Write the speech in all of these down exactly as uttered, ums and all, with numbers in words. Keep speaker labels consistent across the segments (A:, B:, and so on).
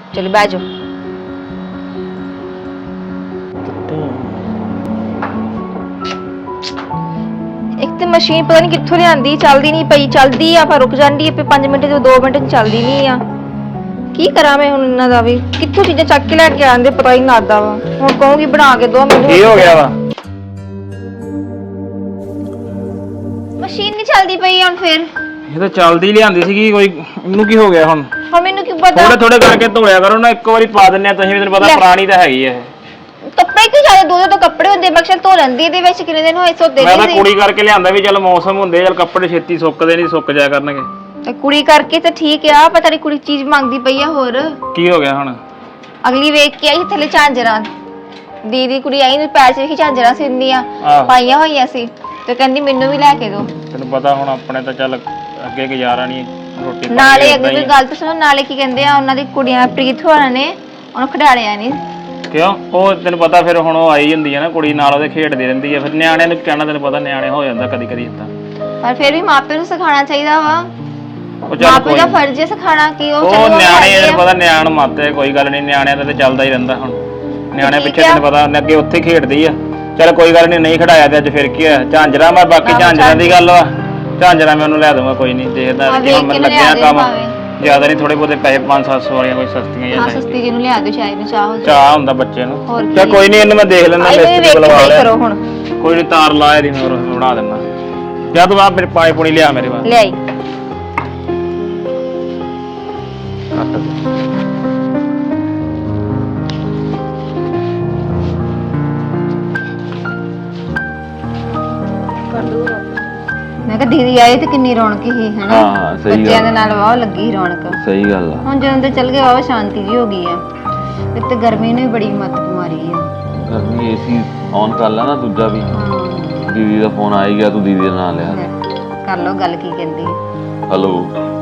A: चलो बैठ जाओ। एक तो मशीन पता नहीं कित्थों लियांदी, चलदी नहीं पई, चलदी आ पर रुक जांदी है, पांच मिनट तो दो मिनट चलदी नहीं आ। की करा मैं हुण इन्हां दा वी, कित्थों चीज़ां चक के लैके आंदे पता ही नहीं लगदा वा। हुण कहूंगी बना के दो मैनूं।
B: की हो गया वा?
A: मशीन नहीं चलदी पई हुण फिर।
B: ਇਹ ਤਾਂ ਚੱਲਦੀ ਲਿਆਂਦੀ ਸੀਗੀ ਕੋਈ, ਇਹਨੂੰ ਕੀ ਹੋ ਗਿਆ ਹੁਣ?
A: ਹੁਣ ਮੈਨੂੰ ਕੀ ਪਤਾ।
B: ਥੋੜੇ ਥੋੜੇ ਕਰਕੇ ਧੋਲਿਆ ਕਰੋ ਨਾ, ਇੱਕੋ ਵਾਰੀ ਪਾ ਦਿੰਨੇ ਆ ਤੁਸੀਂ ਵੀ, ਤੈਨੂੰ ਪਤਾ ਪੁਰਾਣੀ ਤਾਂ ਹੈਗੀ ਇਹ।
A: ਕੱਪੜੇ ਕਿਉਂ ਜ਼ਿਆਦਾ ਦੋ ਦੋ ਕੱਪੜੇ ਹੁੰਦੇ, ਮੈਂ ਧੋ ਲੈਂਦੀ ਇਹਦੇ ਵਿੱਚ ਕਿੰਨੇ ਦਿਨ ਹੋਏ ਸੋਦੇ
B: ਮੈਂ ਤਾਂ ਕੁੜੀ ਕਰਕੇ ਲਿਆਂਦਾ ਵੀ ਚੱਲ ਮੌਸਮ ਹੁੰਦੇ, ਚੱਲ ਕੱਪੜੇ ਛੇਤੀ ਸੁੱਕਦੇ ਨਹੀਂ, ਸੁੱਕ ਜਾਇਆ ਕਰਨਗੇ।
A: ਤੇ ਕੁੜੀ ਕਰਕੇ ਤਾਂ ਠੀਕ ਆ, ਪਰ ਤੇਰੀ ਕੁੜੀ ਚੀਜ਼ ਮੰਗਦੀ ਪਈ ਆ ਹੋਰ।
B: ਕੀ ਹੋ ਗਿਆ ਹੁਣ?
A: ਅਗਲੀ ਵੇਖ ਕੇ ਆਈ ਥੱਲੇ ਝਾਂਜਰਾਂ, ਦੀਦੀ ਕੁੜੀ ਆਈ ਨੂੰ ਪੈਰ 'ਚ ਵੇਖੀ ਝਾਂਜਰਾਂ ਸਿੰਦੀਆਂ ਪਾਈਆਂ ਹੋਈਆਂ ਸੀ, ਤੇ ਕਹਿੰਦੀ ਮੈਨੂੰ ਵੀ ਲੈ ਕੇ ਦੋ।
B: ਤੈਨੂੰ ਪਤਾ ਹੁਣ ਆਪਣੇ ਤਾਂ ਚੱਲ ਅੱਗੇ ਗੁਜ਼ਾਰਾ ਨਹੀਂ, ਰੋਟੀ
A: ਨਾਲੇ ਅੱਗੇ ਕੋਈ ਗੱਲ ਤਾਂ ਸੁਣੋ, ਨਾਲੇ ਕੀ ਕਹਿੰਦੇ ਆ ਉਹਨਾਂ ਦੀ ਕੁੜੀਆਂ ਪ੍ਰੀਤ ਹੋਰਾਂ ਨੇ ਉਹਨੂੰ ਖਿਡਾਲਿਆ ਨਹੀਂ।
B: ਕਿਉਂ? ਉਹ ਤੈਨੂੰ ਪਤਾ ਫਿਰ ਹੁਣ ਉਹ ਆਈ ਹੁੰਦੀ ਹੈ ਨਾ ਕੁੜੀ ਨਾਲ, ਉਹਦੇ ਖੇਡਦੀ ਰਹਿੰਦੀ ਹੈ, ਫਿਰ ਨਿਆਣਿਆਂ ਨੂੰ ਕਹਿਣਾ, ਤੈਨੂੰ ਪਤਾ ਨਿਆਣੇ ਹੋ ਜਾਂਦਾ ਕਦੀ ਕਦੀ ਇਦਾਂ।
A: ਪਰ ਫਿਰ ਵੀ ਮਾਪੇ ਨੂੰ ਸਿਖਾਉਣਾ ਚਾਹੀਦਾ ਵਾ,
B: ਉਹ ਚੱਲ
A: ਮਾਪੇ ਦਾ ਫਰਜ਼ ਹੈ ਸਿਖਾਉਣਾ ਕਿ ਉਹ
B: ਉਹ ਨਿਆਣੇ ਤੈਨੂੰ ਪਤਾ ਨਿਆਣ ਮਾਤੇ, ਕੋਈ ਗੱਲ ਨਹੀਂ, ਨਿਆਣਿਆਂ ਦਾ ਤਾਂ ਚੱਲਦਾ ਹੀ ਰਹਿੰਦਾ। ਹੁਣ ਨਿਆਣੇ ਪਿੱਛੇ ਤੈਨੂੰ ਪਤਾ ਅੱਗੇ ਉੱਥੇ ਖੇਡਦੀ ਆ, ਚੱਲ ਕੋਈ ਗੱਲ ਨਹੀਂ, ਨਹੀਂ ਖੜਾਇਆ ਤੇ ਅੱਜ ਫਿਰ ਕੀ ਹੋਇਆ, ਝਾਂਜਰਾ ਮੈਂ ਬਾਕੀ ਝਾਂਜਰਾਂ ਦੀ ਗੱਲ ਵਾ, ਝਾਂਜਰਾਂ ਮੈਂ ਉਹਨੂੰ ਲੈ ਦੂੰਗਾ, ਕੋਈ ਨਹੀਂ, ਦੇਖਦਾ ਜਿਵੇਂ ਮੈਨੂੰ ਲੱਗਿਆ ਕੰਮ ਜ਼ਿਆਦਾ ਨਹੀਂ, ਥੋੜੇ ਬਹੁਤੇ ਪੈਸੇ ਪੰਜ ਸੱਤ ਸੌ ਵਾਲੀਆਂ ਕੋਈ ਸਸਤੀਆਂ ਜਾਂ
A: ਹਾਂ ਸਸਤੀ ਜਿਹਨੂੰ ਲਿਆ ਦਿਓ, ਚਾਹ ਨੂੰ ਚਾਹ ਹੋ
B: ਚਾਹ ਹੁੰਦਾ ਬੱਚੇ ਨੂੰ। ਚੱਲ ਕੋਈ ਨਹੀਂ, ਇਹਨੂੰ ਮੈਂ ਦੇਖ ਲੈਣਾ, ਲਿਸਟ ਬੁਲਵਾ ਲਿਆ
A: ਕਰੋ ਹੁਣ,
B: ਕੋਈ ਨਹੀਂ, ਤਾਰ ਲਾ ਇਹਦੀ ਮੈਂ ਬਣਾ ਦਿੰਦਾ। ਜਾਂ ਤੂੰ ਆ ਮੇਰੇ ਪਾਣੀ ਪੂਣੀ ਲਿਆ ਮੇਰੇ ਵਾਸਤੇ,
A: ਲਿਆਈ। ਮੈਂ ਕਿਹਾ ਦੀਦੀ ਆਏ ਤੇ ਕਿੰਨੀ ਰੌਣਕ ਸੀ ਹਨਾ।
C: ਹਾਂ ਸਹੀ ਗੱਲ,
A: ਬੱਚਿਆਂ ਦੇ ਨਾਲ ਵਾਹ ਲੱਗੀ ਰੌਣਕ।
C: ਸਹੀ ਗੱਲ ਆ।
A: ਹੁਣ ਜਦੋਂ ਤੇ ਚੱਲ ਗਏ ਵਾਹ ਸ਼ਾਂਤੀ ਜੀ ਹੋ ਗਈ ਆ, ਇੱਕ ਤੇ ਗਰਮੀ ਨੇ ਵੀ ਬੜੀ ਮੱਤ ਮਾਰੀ ਆ।
C: ਗਰਮੀ ਏਸੀ ਔਨ ਕਰ ਲਾ ਨਾ ਦੂਜਾ ਵੀ। ਦੀਦੀ ਦਾ ਫੋਨ ਆ ਹੀ ਗਿਆ, ਤੂੰ ਦੀਦੀ ਦਾ ਨਾਂ ਲਿਆ।
A: ਕਰ ਲਓ ਗੱਲ, ਕੀ ਕਹਿੰਦੀ ਹੈ।
C: ਹੈਲੋ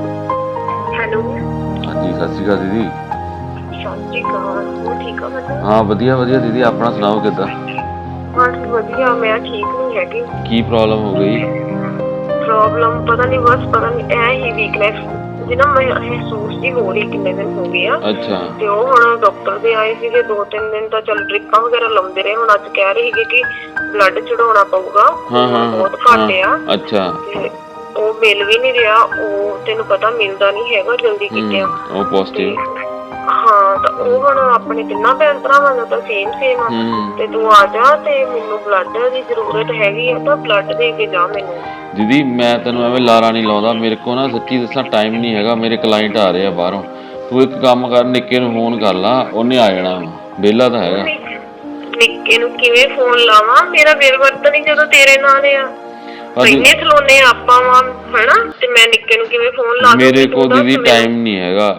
D: ਹੈਲੋ,
C: ਹਾਂਜੀ ਸਤਿ ਸ਼੍ਰੀ ਅਕਾਲ ਦੀਦੀ।
D: ਸਤਿ ਸ਼੍ਰੀ ਅਕਾਲ, ਹੋਰ ਠੀਕ ਆ ਬੱਚਾ?
C: ਹਾਂ ਵਧੀਆ ਵਧੀਆ ਦੀਦੀ, ਆਪਣਾ ਸੁਣਾਓ ਕਿੱਦਾਂ?
D: ਹਾਂ ਵਧੀਆ, ਮੈਂ ਠੀਕ ਨਹੀਂ ਹੈਗੀ।
C: ਕੀ ਪ੍ਰੋਬਲਮ ਹੋ ਗਈ?
D: ਪ੍ਰੋਬਲਮ ਪਤਾ ਨਹੀਂ, ਬਸ ਪਤਾ ਨਹੀਂ ਐ ਹੀ ਵੀਕਨੈਸ ਜਿਹਨਾਂ ਮੈਂ ਮਹਿਸੂਸ ਹੀ ਹੋ ਰਹੀ, ਕਿੰਨੇ ਦਿਨ ਹੋ ਗਏ ਆ।
C: ਅੱਛਾ। ਤੇ
D: ਉਹ ਹੁਣ ਡਾਕਟਰ ਦੇ ਆਏ ਸੀਗੇ, ਦੋ ਤਿੰਨ ਦਿਨ ਤਾਂ ਚੱਲ ਡ੍ਰਿਪਾਂ ਵਗੈਰਾ ਲਾਉਂਦੇ ਰਹੇ, ਹੁਣ ਅੱਜ ਕਹਿ ਰਹੇ ਸੀਗੇ ਕਿ ਬਲੱਡ ਚੜਾਉਣਾ ਪਊਗਾ।
C: ਹਾਂ ਹਾਂ
D: ਬਹੁਤ ਘੱਟ ਆ।
C: ਅੱਛਾ।
D: ਤੇ ਉਹ ਮਿਲ ਵੀ ਨਹੀਂ ਰਿਹਾ, ਉਹ ਤੈਨੂੰ ਪਤਾ ਮਿਲਦਾ ਨਹੀਂ ਹੈਗਾ ਜਲਦੀ ਕਿਤੇ।
C: ਉਹ ਪੋਜ਼ਿਟਿਵ।
D: ਹਾਂ ਤਾਂ ਉਹ ਹੁਣ ਆਪਣੇ ਤਿੰਨਾਂ ਭੈਣ ਭਰਾਵਾਂ ਦਾ ਤਾਂ ਸੇਮ ਸੇਮ ਆ, ਤੇ ਤੂੰ ਆ ਜਾ ਤੇ ਮੈਨੂੰ ਬਲੱਡ ਦੀ ਜ਼ਰੂਰਤ ਹੈਗੀ ਆ, ਤਾਂ ਬਲੱਡ ਦੇ ਕੇ ਜਾ ਮੈਨੂੰ।
C: ਦੀਦੀ ਮੈਂ ਤੈਨੂੰ ਐਵੇਂ ਲਾਰਾ ਨਹੀਂ ਲਾਉਂਦਾ, ਮੇਰੇ ਕੋਲ ਨਾ ਸੱਚੀ ਦੱਸਾਂ ਟਾਈਮ ਨਹੀਂ ਹੈਗਾ, ਮੇਰੇ ਕਲਾਇੰਟ ਆ ਰਹੇ ਆ ਬਾਹਰੋਂ। ਤੂੰ ਇੱਕ ਕੰਮ ਕਰ, ਨਿੱਕੇ ਨੂੰ ਫੋਨ ਕਰ ਲਾ, ਉਹਨੇ ਆ ਜਾਣਾ, ਵਿਹਲਾ ਤਾਂ ਹੈਗਾ।
D: ਨਿੱਕੇ ਨੂੰ ਕਿਵੇਂ ਫੋਨ ਲਾਵਾਂ? ਮੇਰਾ ਬਿਲ ਵਰਤ ਨਹੀਂ ਜਦੋਂ ਤੇਰੇ ਨਾਲ ਆ, ਇੰਨੇ ਖਲੋਨੇ ਆਪਾਂ ਵਾ ਹਨਾ, ਤੇ ਮੈਂ ਨਿੱਕੇ ਨੂੰ ਕਿਵੇਂ ਫੋਨ ਲਾ?
C: ਮੇਰੇ ਕੋਲ ਦੀਦੀ ਟਾਈਮ ਨਹੀਂ ਹੈਗਾ,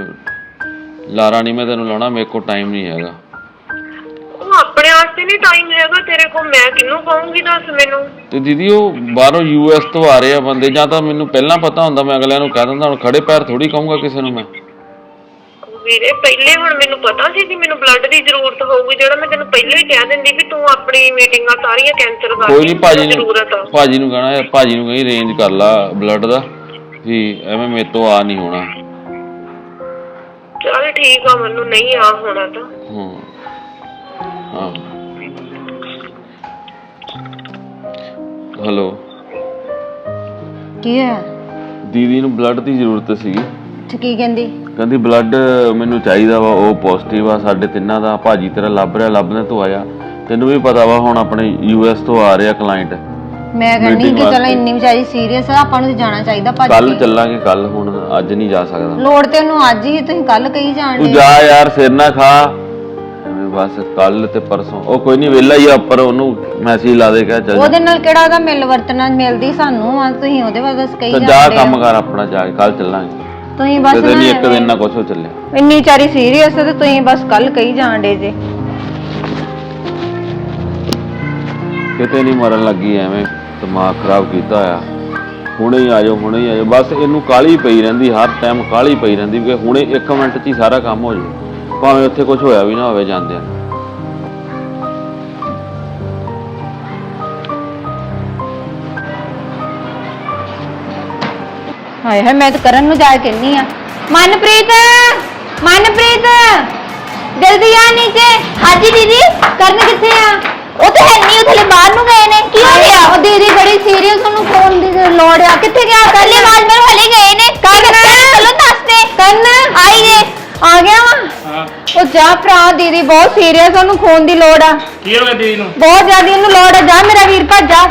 C: ਲਾਰਾ ਨਹੀਂ ਮੈਂ ਤੈਨੂੰ ਲਾਉਣਾ, ਮੇਰੇ ਕੋਲ ਟਾਈਮ ਨਹੀਂ ਹੈਗਾ।
D: ਉਹ ਆਪਣੇ ਵਾਸਤੇ ਨਹੀਂ ਟਾਈਮ ਹੈਗਾ ਤੇਰੇ ਕੋਲ, ਮੈਂ ਕਿਹਨੂੰ ਕਹੂੰਗੀ ਦੱਸ ਮੈਨੂੰ।
C: ਤੇ ਦੀਦੀ ਉਹ ਬਾਹਰੋਂ ਯੂ ਐਸ ਤੋਂ ਆ ਰਹੇ ਆ ਬੰਦੇ, ਜਾਂ ਤਾਂ ਮੈਨੂੰ ਪਹਿਲਾਂ ਪਤਾ ਹੁੰਦਾ ਮੈਂ ਅਗਲਿਆਂ ਨੂੰ ਕਹਿ ਦਿੰਦਾ, ਹੁਣ ਖੜੇ ਪੈਰ ਥੋੜੀ ਕਹੂੰਗਾ ਕਿਸੇ ਨੂੰ ਮੈਂ।
D: ਵੀਰੇ ਪਹਿਲੇ ਹੁਣ ਮੈਨੂੰ ਪਤਾ ਸੀ ਕਿ ਮੈਨੂੰ ਬਲੱਡ ਦੀ ਜ਼ਰੂਰਤ ਹੋਊਗੀ, ਜਿਹੜਾ ਮੈਂ ਤੈਨੂੰ ਪਹਿਲਾਂ ਹੀ ਕਹਿ ਦਿੰਦੀ ਵੀ ਤੂੰ ਆਪਣੀ ਮੀਟਿੰਗਾਂ ਸਾਰੀਆਂ ਕੈਂਸਲ ਕਰ।
C: ਕੋਈ ਨਹੀਂ, ਭਾਜੀ ਨੂੰ ਭਾਜੀ ਨੂੰ ਕਹਿਣਾ, ਭਾਜੀ ਨੂੰ ਕਹੀਂ ਅਰੇਂਜ ਕਰ ਲਾ ਬਲੱਡ ਦਾ, ਵੀ ਐਵੇਂ ਮੇਰੇ ਤੋਂ ਆ ਨਹੀਂ ਹੋਣਾ।
D: ਚੱਲ ਠੀਕ ਆ, ਮੈਨੂੰ ਨਹੀਂ ਆ ਹੋਣਾ ਤਾਂ।
C: ਹਾਂ ਹਾਂ ਹੈਲੋ,
A: ਕੀ ਹੈ?
C: ਦੀਦੀ ਨੂੰ ਬਲੱਡ ਦੀ ਜ਼ਰੂਰਤ ਸੀਗੀ।
A: ਕੀ ਕਹਿੰਦੀ?
C: ਕਹਿੰਦੀ ਬਲੱਡ ਮੈਨੂੰ ਚਾਹੀਦਾ ਵਾ, ਉਹ ਪੋਜ਼ਿਟਿਵ ਆ ਸਾਡੇ ਤਿੰਨਾਂ ਦਾ। ਭਾਜੀ ਤੇਰਾ ਲੱਭ ਰਿਹਾ, ਲੱਭਦੇ ਤੂੰ ਆਇਆ। ਤੈਨੂੰ ਵੀ ਪਤਾ ਵਾ ਹੁਣ ਆਪਣੇ ਯੂ ਐਸ ਤੋਂ ਆ ਰਿਹਾ ਕਲਾਇੰਟ।
A: ਮੈਂ ਕਹਿੰਦੀ ਕਿ ਚਲ ਇੰਨੀ ਵਿਚਾਰੀ ਸੀਰੀਅਸ ਆ, ਆਪਾਂ ਨੂੰ ਜਾਣਾ ਚਾਹੀਦਾ। ਭਾਜੀ
C: ਕੱਲ ਚੱਲਾਂਗੇ, ਕੱਲ, ਹੁਣ ਅੱਜ ਨਹੀਂ ਜਾ ਸਕਦਾ।
A: ਲੋੜ ਤੇ ਉਹਨੂੰ ਅੱਜ ਹੀ, ਤੁਸੀਂ ਕੱਲ ਕਹੀ ਜਾਣਦੇ।
C: ਤੂੰ ਜਾ ਯਾਰ, ਸਿਰ ਨਾ ਖਾ ਐਵੇਂ, ਬਸ ਕੱਲ ਤੇ ਪਰਸੋਂ। ਉਹ ਕੋਈ ਨਹੀਂ, ਵਿਹਲਾ ਹੀ ਆ ਉੱਪਰ, ਉਹਨੂੰ ਮੈਸੇਜ ਲਾ ਦੇ, ਕਹਿ ਚੱਲ।
A: ਉਹਦੇ ਨਾਲ ਕਿਹੜਾ ਉਹਦਾ ਮਿਲ ਵਰਤਣਾ ਮਿਲਦੀ ਸਾਨੂੰ ਆ, ਤੁਸੀਂ ਉਹਦੇ ਬਾਰੇ ਦੱਸ ਕਹੀ ਜਾਂਦੇ।
C: ਜਾ ਕੰਮ ਕਰ ਆਪਣਾ, ਜਾ ਕੇ ਕੱਲ ਚੱਲਾਂਗੇ।
A: ਤੁਸੀਂ ਬਸ
C: ਨਹੀਂ ਇੱਕ ਦਿਨ ਨਾ ਕੁਛ ਹੋ ਚੱਲਿਆ,
A: ਇੰਨੀ ਵਿਚਾਰੀ ਸੀਰੀਅਸ ਤੇ ਤੁਸੀਂ ਬਸ ਕੱਲ ਕਹੀ ਜਾਣਦੇ ਜੇ।
C: ਕਿਤੇ ਨਹੀਂ ਮਰਨ ਲੱਗੀ, ਐਵੇਂ ਦਿਮਾਗ ਖਰਾਬ ਕੀਤਾ ਆ। ਹੁਣੇ ਹੀ ਆ ਜਾਓ, ਹੁਣੇ ਹੀ ਆ ਜਾਓ, ਬਸ ਇਹਨੂੰ ਕਾਹਲੀ ਪਈ ਰਹਿੰਦੀ, ਹਰ ਟਾਈਮ ਕਾਹਲੀ ਪਈ ਰਹਿੰਦੀ ਕਿ ਹੁਣੇ ਇੱਕ ਮਿੰਟ 'ਚ ਹੀ ਸਾਰਾ ਕੰਮ ਹੋ ਜਾਏ, ਭਾਵੇਂ ਉੱਥੇ ਕੁਝ ਹੋਇਆ ਵੀ ਨਾ ਹੋਵੇ ਜਾਂਦਿਆਂ।
A: ਹਾਏ ਹਾਏ, ਮੈਂ ਤਾਂ ਕਰਨ ਨੂੰ ਜਾ ਕੇ ਕਹਿੰਨੀ ਆ, ਮਨਪ੍ਰੀਤ ਮਨਪ੍ਰੀਤ ਜਲਦੀ ਆ ਨੀਚੇ। ਹਾਂਜੀ ਦੀਦੀ ਕਰਨ ਕਿੱਥੇ ਆ? ਉਹ ਤਾਂ ਹੈ ਨਹੀਂ, ਉਹ ਥੱਲੇ ਬਾਹਰ ਨੂੰ ਗਏ ਨੇ। ਕੀ ਹੋ ਗਿਆ? ਉਹ ਦੀਦੀ ਬੜੀ ਸੀਰੀਅਸ, ਉਹਨੂੰ ਫੋਨ ਦੀ ਲੋੜ ਆ। ਕਿੱਥੇ ਗਿਆ? ਕੱਲੇ ਬਾਅਦ ਮੇਰੇ ਹਲੇ ਗਏ ਨੇ। ਕਰਨ ਚਲੋ ਦੱਸਦੇ। ਕਰਨ ਆਈ ਨੇ ਆ ਗਿਆ ਵਾ।
B: ਹਾਂ
A: ਉਹ ਜਾ ਭਰਾ, ਦੀਦੀ ਬਹੁਤ ਸੀਰੀਅਸ, ਉਹਨੂੰ ਫੋਨ ਦੀ ਲੋੜ ਆ।
B: ਕੀ ਹੋ ਗਿਆ ਦੀਦੀ ਨੂੰ?
A: ਬਹੁਤ ਜ਼ਿਆਦਾ ਉਹਨੂੰ ਲੋੜ ਆ। ਜਾ ਮੇਰਾ ਵੀਰ ਭੱਜ ਜਾ।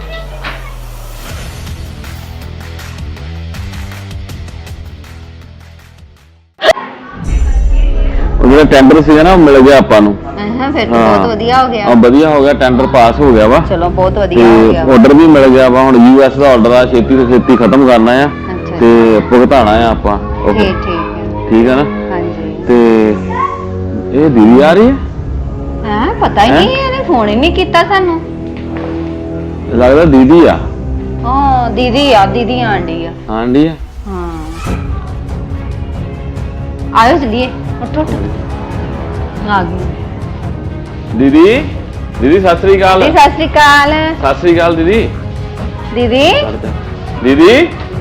C: ਉਹ ਜਿਹੜਾ ਟੈਂਡਰ ਸੀਗਾ ਨਾ ਉਹ ਮਿਲ ਗਿਆ ਆਪਾਂ ਨੂੰ।
A: ਹਾਂ ਫਿਰ
C: ਹਾਂ।
A: ਬਹੁਤ ਵਧੀਆ ਹੋ ਗਿਆ।
C: ਆ ਵਧੀਆ ਹੋ ਗਿਆ, ਟੈਂਡਰ ਪਾਸ ਹੋ ਗਿਆ ਵਾ
A: ਚਲੋ ਬਹੁਤ ਵਧੀਆ ਹੋ
C: ਤੇ
A: ਗਿਆ।
C: ਆਰਡਰ ਵੀ ਮਿਲ ਗਿਆ ਵਾ। ਹੁਣ ਯੂ ਐਸ ਦਾ ਆਰਡਰ ਆ, ਛੇਤੀ ਤੋਂ ਛੇਤੀ ਖਤਮ ਕਰਨਾ ਆ
A: ਅੱਛਾ
C: ਤੇ ਭੁਗਤਾਣਾ ਆ ਆਪਾਂ। ਉਹ
A: ਠੀਕ ਠੀਕ ਹੈ।
C: ਠੀਕ ਹੈ ਨਾ?
A: ਹਾਂਜੀ
C: ਤੇ ਇਹ ਦੀਦੀ ਆ ਰਹੀ ਹੈ?
A: ਹਾਂ ਪਤਾ ਹੀ ਨਹੀਂ, ਇਹਨੇ ਫੋਨ ਹੀ ਨਹੀਂ ਕੀਤਾ ਸਾਨੂੰ।
C: ਲੱਗਦਾ ਦੀਦੀ ਆ।
A: ਹਾਂ ਦੀਦੀ ਆ, ਦੀਦੀ ਆਂਡੀ ਆ।
C: ਆਂਡੀ ਆ।
A: ਹਾਂ ਆਇਓ ਚਲੀਏ। ਉੱਠ ਉੱਠ ਆ ਗਈ
C: ਦੀਦੀ ਦੀਦੀ ਸਤਿ ਸ੍ਰੀ ਅਕਾਲ।
A: ਜੀ। ਸਤਿ ਸ਼੍ਰੀ ਅਕਾਲ
C: ਸਤਿ ਸ੍ਰੀ ਅਕਾਲ ਦੀਦੀ।
A: ਦੀਦੀ।
C: ਦੀਦੀ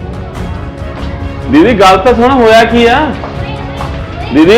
C: ਦੀਦੀ ਗੱਲ ਤਾਂ ਸੁਣ, ਹੋਇਆ ਕੀ ਆ? ਦੀਦੀ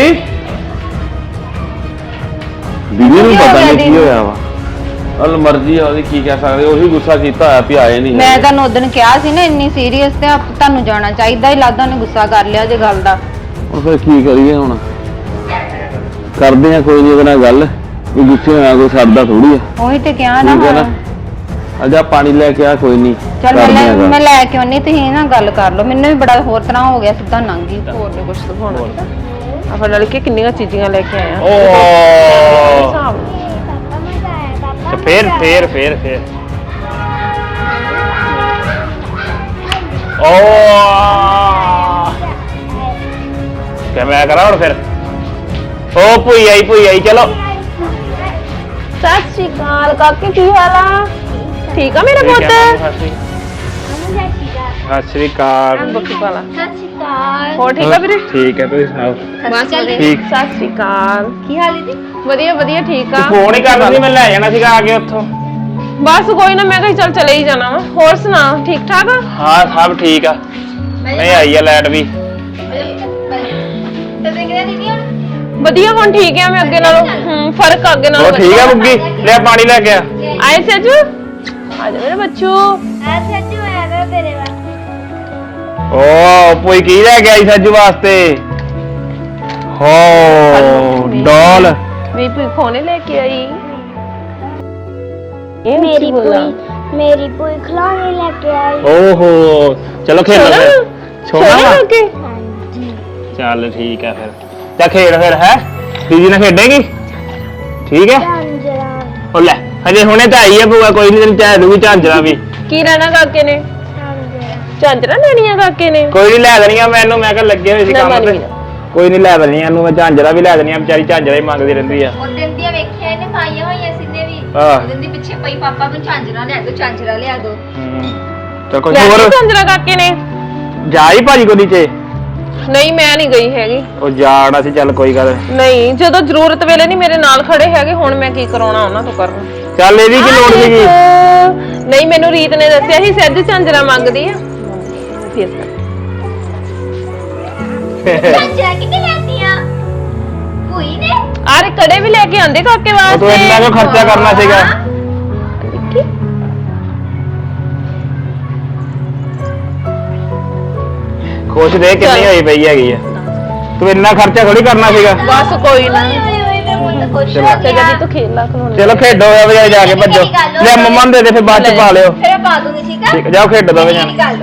C: ਦੀਦੀ ਨੂੰ
A: ਕੀ ਹੋ
C: ਪਤਾ
A: ਗਿਆ
C: ਨਹੀਂ ਕੀ
A: ਦੀਦੀ?
C: ਹੋਇਆ ਵਾ। ਅਲ ਮਰਜ਼ੀ ਆ ਉਹਦੀ, ਕੀ ਕਹਿ ਸਕਦੇ। ਉਹੀ ਗੁੱਸਾ ਕੀਤਾ ਹੋਇਆ ਵੀ ਆਏ ਨਹੀਂ
A: ਮੈਂ
C: ਹੈਗੇ।
A: ਤੁਹਾਨੂੰ ਉਦੋਂ ਕਿਹਾ ਸੀ ਨਾ ਇੰਨੀ ਸੀਰੀਅਸ, ਤੇ ਆਪ ਤੁਹਾਨੂੰ ਜਾਣਾ ਚਾਹੀਦਾ ਹੀ। ਲੱਗਦਾ ਉਹਨੇ ਗੁੱਸਾ ਕਰ ਲਿਆ ਜੇ ਗੱਲ ਦਾ।
C: ਹੁਣ ਫਿਰ ਕੀ ਕਰੀਏ? ਹੁਣ ਕਰਦੇ ਆ ਕੋਈ ਨਹੀਂ ਉਹਦੇ ਨਾਲ ਗੱਲ। ਕੋਈ ਗੁੱਸੇ ਹੋਇਆ ਕੋਈ ਸਰਦਾ ਥੋੜੀ ਆ।
A: ਉਹੀ ਤੇ ਕਿਹਾ ਨਾ
C: ਠੀਕ ਹੈ ਨਾ?
A: ਹੁਣ।
C: ਅਜਾ ਪਾਣੀ ਲੈ ਕੇ ਆ, ਕੋਈ ਨਹੀਂ
A: ਚੱਲ ਮੈਂ
C: ਕਰਦੇ ਆ
A: ਲੈ
C: ਗੱਲ।
A: ਮੈਂ ਲੈ ਕੇ ਆਉਣੀ, ਤੁਸੀਂ ਨਾ ਗੱਲ ਕਰ ਲਓ। ਮੈਨੂੰ ਵੀ ਬੜਾ ਹੋਰ ਤਰ੍ਹਾਂ ਹੋ ਗਿਆ, ਸਿੱਧਾ ਲੰਘ ਗਈ।
E: ਹੋਰ ਨਹੀਂ ਕੁਛ ਦਿਖਾਉਣਾ। ਆਪਾਂ ਨਾਲ ਕੇ ਕਿੰਨੀਆਂ ਚੀਜ਼ਾਂ ਲੈ ਕੇ ਆਏ ਆ।
B: ਓ
E: ਹਿਸਾਬ
B: ਤੇ ਫੇਰ ਫੇਰ ਫੇਰ ਫੇਰ ਓ ਕਿ ਮੈਂ ਕਰਾਂ ਹੁਣ ਫਿਰ? ਓ ਭੂਈ ਆਈ ਭੂਈ ਆਈ, ਚਲੋ।
E: ਸਤਿ ਸ਼੍ਰੀ ਅਕਾਲ ਕਾਕੇ, ਕੀ ਹਾਲ ਆ? ਠੀਕ ਆ ਮੇਰਾ ਪੁੱਤ?
B: ਸਤਿ ਸ਼੍ਰੀ ਅਕਾਲ।
E: ਬੱਕੀ ਪਾਲਾ। ਹੋਰ ਠੀਕ ਆ ਵੀਰੇ?
B: ਠੀਕ ਹੈ, ਤੁਸੀਂ ਸੁਣਾਓ?
E: ਬਸ ਵਧੀਆ।
B: ਠੀਕ।
E: ਸਤਿ ਸ਼੍ਰੀ ਅਕਾਲ।
A: ਕੀ ਹਾਲ ਹੈ ਜੀ?
E: ਵਧੀਆ ਵਧੀਆ ਠੀਕ ਆ।
B: ਫੋਨ ਹੀ ਕਰਦਾ ਸੀ, ਮੈਂ ਲੈ ਜਾਣਾ ਸੀਗਾ ਆ ਕੇ ਉੱਥੋਂ।
E: ਬਸ ਕੋਈ ਨਾ, ਮੈਂ ਕਿਹਾ ਚੱਲ ਚਲੇ ਹੀ ਜਾਣਾ ਵਾ। ਹੋਰ ਸੁਣਾ, ਠੀਕ ਠਾਕ ਆ?
B: ਹਾਂ ਸਭ ਠੀਕ ਆ। ਨਹੀਂ ਆਈ ਆ ਲਾਈਟ ਵੀ।
E: ਵਧੀਆ, ਹੁਣ ਠੀਕ ਆ ਮੈਂ ਅੱਗੇ ਨਾਲੋਂ। ਹੂੰ ਫਰਕ ਆ ਅੱਗੇ
B: ਉਹ
E: ਨਾਲੋਂ।
B: ਠੀਕ ਆ ਬੁੱਗੀ, ਲੈ ਪਾਣੀ ਲੈ ਕੇ ਆ।
E: ਆਏ ਸੱਜੂ, ਆ ਜਾ ਮੇਰੇ ਬੱਚੂ।
B: ਓ ਭੂਈ ਕੀ ਲੈ ਕੇ ਆਈ ਸੱਜੂ ਵਾਸਤੇ? ਹੋ ਡੋਲ।
E: ਮੇਰੀ ਭੂਈ ਖੋਨੇ ਲੈ ਕੇ ਆਈ। ਇਹ
F: ਮੇਰੀ ਭੂਈ ਮੇਰੀ ਭੂਈ ਖਿਡੌਣੇ ਲੈ ਕੇ ਆਈ।
B: ਓਹੋ ਚਲੋ ਖੇਡ ਲਓ ਫਿਰ।
E: ਸੋਨਾ
B: ਸੋਨਾ ਵਾ?
E: ਲੱਗੇ।
F: ਹਾਂਜੀ
B: ਚੱਲ ਠੀਕ ਆ ਫਿਰ। ਚੱਲ ਖੇਡ ਫਿਰ, ਹੈ ਦੀਦੀ ਨਾਲ ਖੇਡੇਗੀ? ਠੀਕ ਹੈ।
F: ਝਾਂਜਰਾਂ
B: ਉਹ ਲੈ ਹਜੇ ਹੁਣੇ ਤਾਂ ਆਈ ਆ ਭੂਆ, ਕੋਈ ਨਹੀਂ ਤੈਨੂੰ ਚਾਹ ਦੂਗੀ ਝਾਂਜਰਾ ਵੀ।
E: ਕੀ ਲੈਣਾ ਕਾਕੇ ਨੇ?
F: ਝਾਂਜਰਾਂ
E: ਝਾਂਜਰਾਂ ਲੈਣੀਆਂ ਕਾਕੇ ਨੇ?
B: ਕੋਈ ਨਹੀਂ ਲੈ ਦੇਣੀਆਂ ਮੈਨੂੰ, ਮੈਂ ਕਿਹਾ ਲੱਗੇ ਹੋਏ ਸੀ
E: ਨਾ,
B: ਕੰਮ
E: ਮੈਂ
B: ਤੇ।
E: ਨਹੀਂ
B: ਕੋਈ ਨਹੀਂ ਲੈ ਦੇਣੀਆਂ ਇਹਨੂੰ, ਮੈਂ ਝਾਂਜਰਾ ਵੀ ਲੈ ਦੇਣੀਆਂ। ਵਿਚਾਰੀ ਝਾਂਜਰਾ ਹੀ ਮੰਗਦੀ ਰਹਿੰਦੀ ਆ।
A: ਉਹ ਦਿਨ ਦੀਆਂ ਵੇਖਿਆ ਇਹਨੇ ਪਾਈਆਂ ਹੋਈਆਂ ਸਿੱਧੇ ਵੀ।
B: ਆਹ।
A: ਉਹ ਦਿਨ ਦੀ ਪਿੱਛੇ ਪਈ, ਪਾਪਾ ਨੂੰ ਝਾਂਜਰਾ ਲਿਆ ਦੋ, ਝਾਂਜਰਾ ਲਿਆ ਦੋ।
B: ਚਲ ਕੋਈ
E: ਲੈਣੀ
B: ਹੋਰ
E: ਝਾਂਜਰਾਂ ਕਾਕੇ ਨੇ?
B: ਜਾਈ ਭਾਜੀ ਕੋ ਨੀਚੇ।
E: ਨਹੀਂ ਮੈਂ ਨਹੀਂ ਗਈ ਹੈਗੀ।
B: ਉਹ ਜਾਣਾ ਸੀ, ਚੱਲ ਕੋਈ ਗੱਲ ਨੀ।
E: ਨਹੀਂ ਜਦੋਂ ਜ਼ਰੂਰਤ ਵੇਲੇ ਨਹੀਂ ਮੇਰੇ ਨਾਲ ਖੜੇ ਹੈਗੇ, ਹੁਣ ਮੈਂ ਕੀ ਕਰਾਉਣਾ ਉਹਨਾਂ ਤੋਂ ਕਰਨ।
B: ਚੱਲ ਇਹਦੀ ਕੀ ਲੋੜ ਸੀਗੀ?
E: ਨਹੀਂ ਮੈਨੂੰ ਰੀਤ ਨੇ ਦੱਸਿਆ ਸੀ ਸੱਜ ਝਾਂਜਰਾਂ ਮੰਗਦੀ ਆ। ਫੇਸ ਕਰ।
F: ਝਾਂਜਰਾਂ ਕਿੱਥੇ ਲੈਂਦੀਆਂ ਭੂਈ ਨੇ?
E: ਆਰੇ ਕੜੇ ਵੀ ਲੈ ਕੇ ਆਂਦੇ ਕਾਕੇ
B: ਉਹ ਤੂੰ
E: ਵਾਸਤੇ।
B: ਇੰਨਾ ਕਿਉਂ ਖਰਚਾ ਕਰਨਾ ਸੀਗਾ? ਖੁਸ਼ ਦੇ ਕਿੰਨੀ ਹੋਈ ਪਈ ਹੈਗੀ ਆ। ਤੂੰ ਇੰਨਾ ਖਰਚਾ ਥੋੜੀ ਕਰਨਾ ਸੀਗਾ।
E: ਬਸ ਕੋਈ ਨਾ।
F: ਓਏ ਓਏ ਮੈਂ ਬਹੁਤ ਖੁਸ਼
B: ਚਲੋ।
F: ਹੋ
E: ਤੇ
F: ਗਿਆ।
E: ਜਦੀ ਤੂੰ ਖੇਲ ਲਾ ਖਲੋਣੇ।
B: ਚਲੋ ਖੇਡੋ ਵੇ ਜਾ ਕੇ ਭੱਜੋ। ਲੈ ਮੰਮਾ ਨੂੰ ਦੇ ਦੇ, ਫਿਰ ਬਾਅਦ ਚ ਪਾ ਲਿਓ।
A: ਫਿਰ ਪਾ ਦੂੰਗੀ, ਠੀਕ ਆ?
B: ਠੀਕ ਜਾਓ ਖੇਡੋ ਦੋਵੇਂ ਜਾਣੇ।
A: ਗੱਲ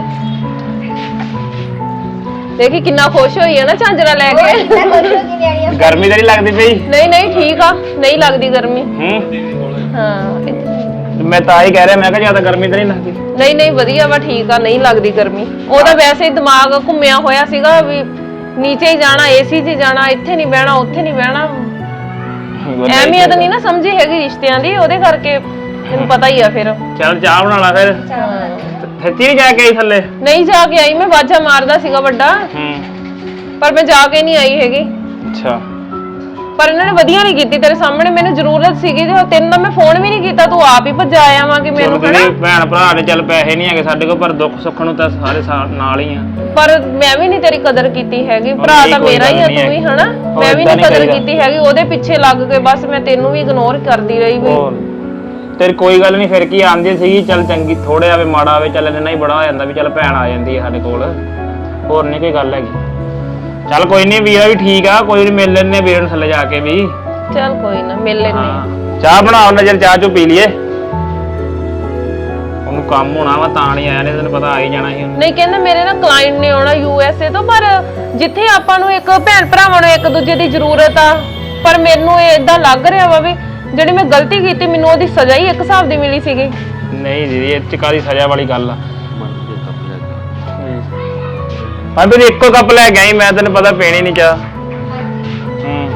E: ਦੇਖੀ ਕਿੰਨਾ ਖੁਸ਼ ਹੋਈ ਹੈ ਨਾ ਝਾਂਜਰਾਂ ਲੈ ਕੇ।
A: ਮੈਂ ਖੁਸ਼ ਹੋ ਗਈ ਨਿਆਣੀ।
B: ਗਰਮੀ ਤਾਂ ਨਹੀਂ ਲੱਗਦੀ ਪਈ?
E: ਨਹੀਂ ਨਹੀਂ ਠੀਕ ਆ, ਨਹੀਂ ਲੱਗਦੀ ਗਰਮੀ।
B: ਹੂੰ
E: ਹਾਂ
B: ਮੈਂ ਤਾਂ ਹੀ ਕਹਿ ਰਿਹਾ, ਮੈਂ ਕਿਹਾ ਜਿਆਦਾ ਗਰਮੀ ਤਾਂ ਨਹੀਂ ਲੱਗਦੀ।
E: ਨਹੀਂ ਨਹੀਂ ਵਧੀਆ ਵਾ, ਠੀਕ ਆ, ਨਹੀਂ ਲੱਗਦੀ ਗਰਮੀ। ਉਹਦਾ ਵੈਸੇ ਹੀ ਦਿਮਾਗ ਘੁੰਮਿਆ ਹੋਇਆ ਸੀਗਾ ਵੀ ਨੀਚੇ ਹੀ ਜਾਣਾ, ਏਸੀ 'ਚ ਜਾਣਾ, ਇੱਥੇ ਨਹੀਂ ਬਹਿਣਾ, ਉੱਥੇ ਨਹੀਂ ਬਹਿਣਾ। ਅਹਿਮੀਅਤ ਨਹੀਂ ਨਾ ਸਮਝੀ ਹੈਗੀ ਰਿਸ਼ਤਿਆਂ ਦੀ, ਉਹਦੇ ਕਰਕੇ ਤੈਨੂੰ ਪਤਾ ਹੀ ਆ। ਫਿਰ
B: ਚੱਲ ਚਾਹ ਬਣਾ ਲਾ ਫਿਰ। ਸੱਚੀ ਨਹੀਂ ਜਾ ਕੇ ਆਈ ਥੱਲੇ?
E: ਨਹੀਂ ਜਾ ਕੇ ਆਈ, ਮੈਂ ਵਾਜਾ ਮਾਰਦਾ ਸੀਗਾ ਵੱਡਾ,
B: ਹੂੰ
E: ਪਰ ਮੈਂ ਜਾ ਕੇ ਨਹੀਂ ਆਈ ਹੈਗੀ।
B: ਅੱਛਾ
E: ਪਰ ਇਹਨਾਂ ਨੇ ਵਧੀਆ ਨਹੀਂ ਕੀਤੀ ਤੇਰੇ ਸਾਹਮਣੇ। ਮੈਨੂੰ ਜ਼ਰੂਰਤ ਸੀਗੀ ਤੇ ਤੈਨੂੰ ਤਾਂ ਮੈਂ ਫੋਨ ਵੀ ਨਹੀਂ ਕੀਤਾ, ਤੂੰ ਆਪ ਹੀ ਭੱਜਾ ਆਇਆ ਵਾਂ ਕਿ ਮੈਨੂੰ
B: ਚਲੋ ਦੀਦੀ ਭੈਣ ਭਰਾ ਨੇ ਚੱਲ ਪੈਸੇ ਨਹੀਂ ਹੈਗੇ ਸਾਡੇ ਕੋਲ, ਪਰ ਦੁੱਖ ਸੁੱਖ ਨੂੰ ਤਾਂ ਸਾਰੇ ਸਾ- ਨਾਲ ਹੀ ਆ।
E: ਪਰ ਮੈਂ ਵੀ ਨਹੀਂ ਤੇਰੀ ਕਦਰ ਕੀਤੀ ਹੈਗੀ, ਭਰਾ ਤਾਂ ਮੇਰਾ ਹੀ ਆ ਤੂੰ ਵੀ, ਹਨਾ। ਮੈਂ ਵੀ ਨਹੀਂ ਕਦਰ ਕੀਤੀ ਹੈਗੀ, ਉਹਦੇ ਪਿੱਛੇ ਲੱਗ ਕੇ ਬਸ ਮੈਂ ਤੈਨੂੰ ਵੀ ਇਗਨੋਰ ਕਰਦੀ ਰਹੀ ਵੀ।
B: ਤੇਰੀ ਕੋਈ ਗੱਲ ਨਹੀਂ, ਫਿਰ ਕੀ ਆਂਦੀ ਸੀਗੀ ਚੱਲ ਚੰਗੀ, ਥੋੜੇ ਆਵੇ ਮਾੜਾ ਆਵੇ ਚੱਲ ਇੰਨਾ ਹੀ ਬੜਾ ਹੋ ਜਾਂਦਾ ਵੀ ਚੱਲ ਭੈਣ ਆ ਜਾਂਦੀ ਹੈ ਸਾਡੇ ਕੋਲ, ਹੋਰ ਨਹੀਂ ਕੋਈ ਗੱਲ ਹੈਗੀ। ਚੱਲ ਕੋਈ ਨਹੀਂ, ਵੀਰਾ ਵੀ ਠੀਕ ਆ, ਕੋਈ ਨਹੀਂ ਮਿਲ ਲੈਣੇ ਵੀਰ ਨੂੰ ਥੱਲੇ ਜਾ ਕੇ ਵੀ।
E: ਚੱਲ ਕੋਈ ਨਾ ਮਿਲ ਲੈਨੇ।
B: ਚਾਹ ਬਣਾਓ ਨਾ, ਚੱਲ ਚਾਹ ਚੋ ਪੀ ਲਈਏ, ਉਹਨੂੰ ਕੰਮ ਹੋਣਾ ਵਾ ਤਾਂ ਨਹੀਂ ਆਇਆ, ਨੇ ਤੈਨੂੰ ਪਤਾ ਆ ਹੀ ਜਾਣਾ ਸੀ।
E: ਨਹੀਂ ਕਹਿੰਦਾ ਮੇਰੇ ਨਾ ਕਲਾਇੰਟ ਨੇ ਆਉਣਾ ਯੂ ਐਸ ਏ ਤੋਂ, ਪਰ ਜਿੱਥੇ ਆਪਾਂ ਨੂੰ ਇੱਕ ਭੈਣ ਭਰਾਵਾਂ ਨੂੰ ਇੱਕ ਦੂਜੇ ਦੀ ਜ਼ਰੂਰਤ ਆ, ਪਰ ਮੈਨੂੰ ਇਹ ਇਦਾਂ ਲੱਗ ਰਿਹਾ ਵਾ ਵੀ ਜਿਹੜੀ ਮੈਂ ਗਲਤੀ ਕੀਤੀ ਮੈਨੂੰ ਉਹਦੀ ਸਜ਼ਾ ਹੀ ਇੱਕ ਹਿਸਾਬ ਦੀ ਮਿਲੀ ਸੀਗੀ।
B: ਨਹੀਂ ਦੀਦੀ ਇਹ ਚ ਕਾਹਦੀ ਸਜ਼ਾ ਵਾਲੀ ਗੱਲ ਆ। ਹਾਂ ਤੂੰ ਇੱਕੋ ਕੱਪ ਲੈ ਕੇ ਆਈ, ਮੈਂ ਤੈਨੂੰ ਪਤਾ ਪੀਣੀ ਨਹੀਂ ਚਾਹ। ਹੂੰ